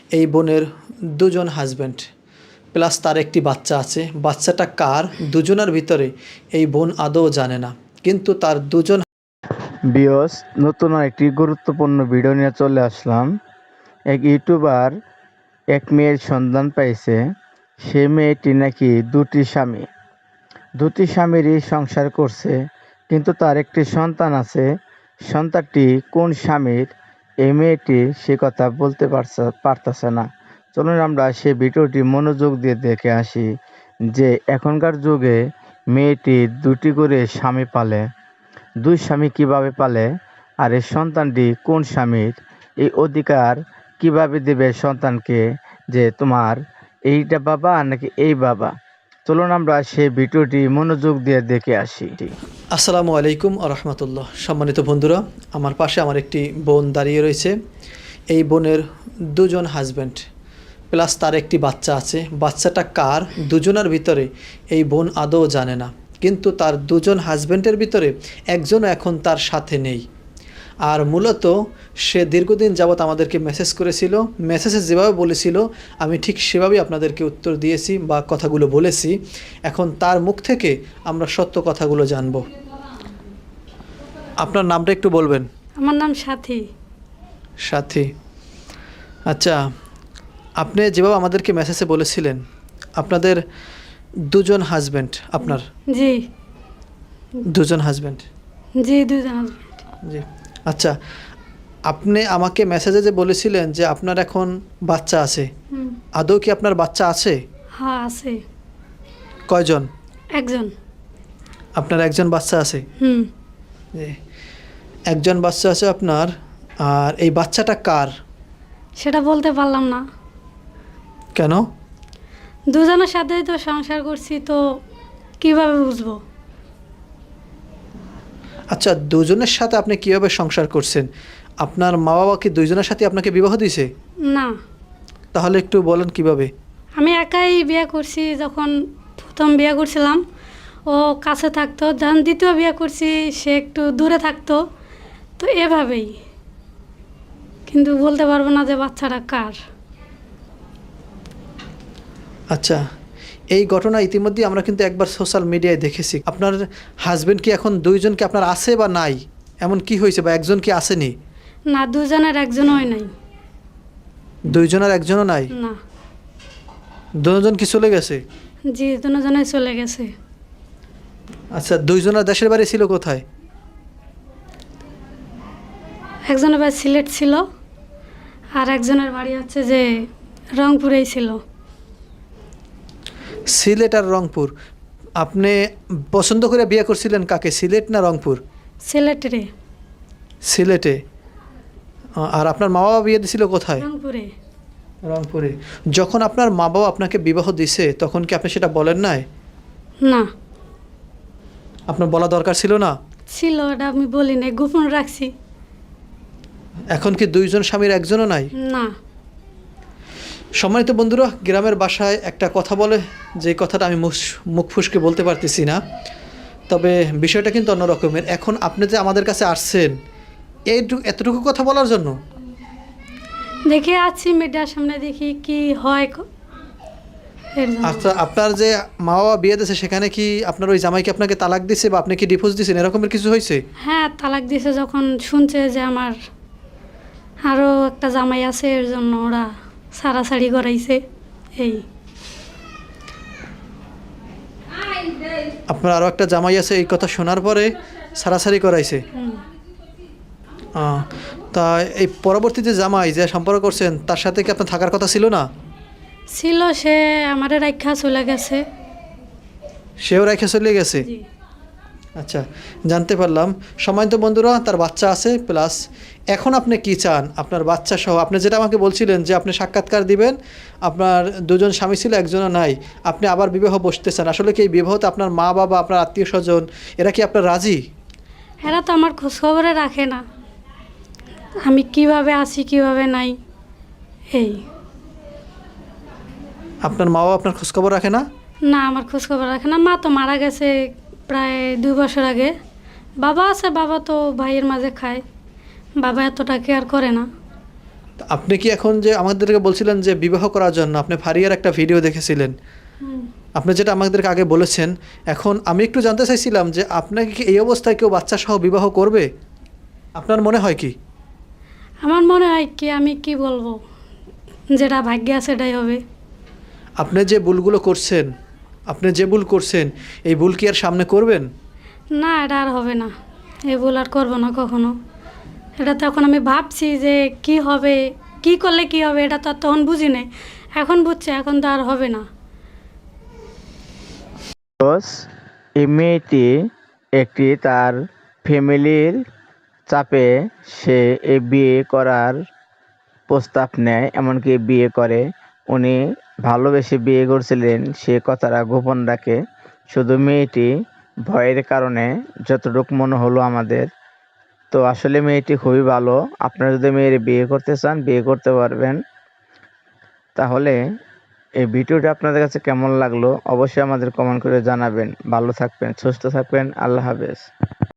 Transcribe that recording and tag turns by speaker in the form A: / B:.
A: এই বোনের দুজন হাজব্যান্ড প্লাস তার একটি বাচ্চা আছে। বাচ্চাটা কার দুজনের ভিতরে এই বোন আদৌ জানে না, কিন্তু তার দুজন
B: বিয়স নতুন একটি গুরুত্বপূর্ণ ভিডিও নিয়ে চলে আসলাম। এক ইউটিউবার এক মেয়ের সন্ধান পাইছে। সে মেয়েটি নাকি দুটি স্বামীরই সংসার করছে, কিন্তু তার একটি সন্তান আছে। সন্তানটি কোন স্বামীর এই মেয়েটি সে কথা বলতে পারতেছে না। চলুন আমরা সেই ভিডিওটি মনোযোগ দিয়ে দেখে আসি যে এখনকার যুগে মেয়েটি দুটি করে স্বামী পালে, দুই স্বামী কিভাবে পালে, আর এই সন্তানটি কোন স্বামীর, এই অধিকার কিভাবে দেবে সন্তানকে যে তোমার এইটা বাবা নাকি এই বাবা। চলুন আমরা সেই ভিডিওটি মনোযোগ দিয়ে দেখে আসি।
A: আসসালামু আলাইকুম রহমতুল্লাহ। সম্মানিত বন্ধুরা, আমার পাশে আমার একটি বোন দাঁড়িয়ে রয়েছে। এই বোনের দুজন হাজব্যান্ড প্লাস তার একটি বাচ্চা আছে। বাচ্চাটা কার দুজনের ভিতরে এই বোন আদৌ জানে না, কিন্তু তার দুজন হাজব্যান্ডের ভিতরে একজনও এখন তার সাথে নেই। আর মূলত সে দীর্ঘদিন যাবৎ আমাদেরকে মেসেজ করেছিল। মেসেজে যেভাবে বলেছিল আমি ঠিক সেভাবেই আপনাদেরকে উত্তর দিয়েছি বা কথাগুলো বলেছি। এখন তার মুখ থেকে আমরা সত্য কথাগুলো জানব। আপনার নামটা একটু বলবেন?
C: আমার নাম সাথী।
A: সাথী, আচ্ছা, আপনি যেভাবে আমাদেরকে মেসেজে বলেছিলেন আপনাদের দুজন হাজব্যান্ড, আপনার
C: জি
A: দুজন হাজব্যান্ড,
C: জি দুজন হাজবেন্ড।
A: জি, আচ্ছা, আপনি আমাকে মেসেজে যে বলেছিলেন যে আপনার এখন বাচ্চা আছে, আদৌ কি আপনার বাচ্চা আছে?
C: হ্যাঁ আছে।
A: কয়জন?
C: একজন।
A: আপনার একজন বাচ্চা আছে? জি, একজন বাচ্চা আছে আপনার। আর এই বাচ্চাটা কার?
C: সেটা বলতে পারলাম না।
A: কেন?
C: দুজনের সাথেই তো সংসার করছি, তো কিভাবে বুঝবো?
A: আচ্ছা, দুজনের সাথে আপনি কিভাবে সংসার করছেন? আপনার মা বাবা কি দুইজনের সাথে আপনাকে বিবাহ দিয়েছে?
C: না,
A: তাহলে একটু বলেন কিভাবে।
C: আমি একাই বিয়ে করছি। যখন প্রথম বিয়ে করছিলাম ও কাছে থাকতো, যখন দ্বিতীয় বিয়ে করছি সে একটু দূরে থাকতো, তো এভাবেই। কিন্তু বলতে পারবো না যে বাচ্চাটা কার।
A: আচ্ছা, এই ঘটনা ইতিমধ্যে আমরা কিন্তু একবার সোশ্যাল মিডিয়ায় দেখেছি। আপনার হাজবেন্ড কি এখন দুইজন কি আপনার আছে বা নাই? এমন কি হয়েছে, বা একজন কি আসেনি?
C: না, দুজনের একজনই নাই।
A: দুইজনের একজনও নাই?
C: না।
A: দুজন কি চলে গেছে?
C: জি, দুজনে চলে গেছে।
A: আচ্ছা, দুইজনের দেশের বাড়ি ছিল কোথায়?
C: একজনের বাড়ি সিলেট ছিল, আর একজনের বাড়ি হচ্ছে যে রংপুরেই ছিল।
A: সিলেট আর রংপুর। আপনি পছন্দ করে বিয়ে করছিলেন কাকে, সিলেট না রংপুর?
C: সিলেটে।
A: সিলেটে। আর আপনার মা বাবা বিয়ে দিছিল কোথায়?
C: রংপুরে।
A: রংপুরে। যখন আপনার মা বাবা আপনাকে বিবাহ দিছে তখন কি আপনি সেটা বলেন নাই?
C: না।
A: আপনার বলা দরকার ছিল না?
C: ছিল, এটা আমি বলি নাই, গোপন রাখছি।
A: এখন কি দুইজন স্বামীর একজনও নাই?
C: না।
A: সম্মানিত বন্ধুরা, গ্রামের বাসায় একটা কথা বলে, যে কথাটা আমি মুখ ফুসকে বলতে পারতেছি না, তবে বিষয়টা কিন্তু অন্য রকমের। এখন আপনি যে আমাদের কাছে আসছেন এতটুকু কথা বলার জন্য?
C: দেখে আছি মিডিয়ার সামনে, দেখি কি হয় এর জন্য।
A: আচ্ছা, আপনার যে মা বাবা বিয়ে দিয়েছে সেখানে কি আপনার ওই জামাইকে আপনাকে তালাক দিছে বা আপনি কি ডিভোর্স দিয়েছেন, এরকমের কিছু হয়েছে?
C: হ্যাঁ, তালাক দিছে। যখন শুনছে যে আমার আরও একটা জামাই আছে, এর জন্য ওরা সারাসারি করাইছে। এই
A: আপনার আরও একটা জামাই আছে এই কথা শোনার পরে সারাসারি করাইছে? তা এই পরবর্তী যে জামাই যে সম্পর্ক করছেন তার সাথে কি আপনার থাকার কথা ছিল না?
C: ছিল, সে আমারে রাখা চলে গেছে।
A: সেও রেখে চলে গেছে?
C: জি।
A: আচ্ছা, জানতে পারলাম। সম্মানিত বন্ধুরা, তার বাচ্চা আছে প্লাস এখন আপনি কি চান আপনার বাচ্চা সহ? আপনি যেটা আমাকে বলছিলেন যে আপনি সাক্ষাৎকার দিবেন, আপনার দুজন স্বামী ছিল একজনও নাই, আপনি আবার বিবাহ বসতে চান। আসলে কি এই বিবাহতে আপনার মা বাবা, আপনার আত্মীয় স্বজন এরা কি আপনার রাজি?
C: এরা তো আমার খোঁজখবরে রাখে না, আমি কিভাবে আছি কিভাবে নাই। এই
A: আপনার মা বাবা আপনার খোঁজখবর রাখে না?
C: না, আমার খোঁজখবর রাখে না। মা তো মারা গেছে প্রায় 2 বছর আগে। বাবা আছে, বাবা তো ভাইয়ের মাঝে খায়, বাবা এতটা কেয়ার করে না।
A: তো আপনি কি এখন যে আমাদেরকে বলছিলেন যে বিবাহ করার জন্য আপনি ফারিয়ার একটা ভিডিও দেখেছিলেন,
C: হুম।
A: আপনি যেটা আমাদেরকে আগে বলেছেন, এখন আমি একটু জানতে চাইছিলাম যে আপনাকে কি এই অবস্থায় কেউ বাচ্চা সহ বিবাহ করবে? আপনার মনে হয় কি?
C: আমার মনে হয় কি, আমি কি বলবো, যেটা ভাগ্যে আছে সেটাই হবে।
A: আপনি যে ভুলগুলো করছেন, আপনি যে ভুল করছেন, এই ভুল কি আর সামনে করবেন?
C: না, এটা আর হবে না, এই ভুল আর করবো না কখনো। এটা তো এখন আমি ভাবছি যে কি হবে, কি করলে কি হবে, এটা তো আর তখন বুঝি নাই, এখন বুঝছি, এখন তো আর হবে না।
B: এই মেয়েটি একটি তার ফ্যামিলির চাপে সে এই বিয়ে করার প্রস্তাব নেয়, এমনকি বিয়ে করে। উনি ভালোবেসে বিয়ে করছিলেন, সে কথাটা গোপন রাখে। শুধু মেয়েটি ভয়ের কারণে, যতটুকু মনে হলো আমাদের। তো আসলে মেয়েটি খুবই ভালো। আপনারা যদি মেয়ের বিয়ে করতে চান, বিয়ে করতে পারবেন। তাহলে এই ভিডিওটা আপনাদের কাছে কেমন লাগলো অবশ্যই আমাদের কমেন্ট করে জানাবেন। ভালো থাকবেন, সুস্থ থাকবেন। আল্লাহ হাফেজ।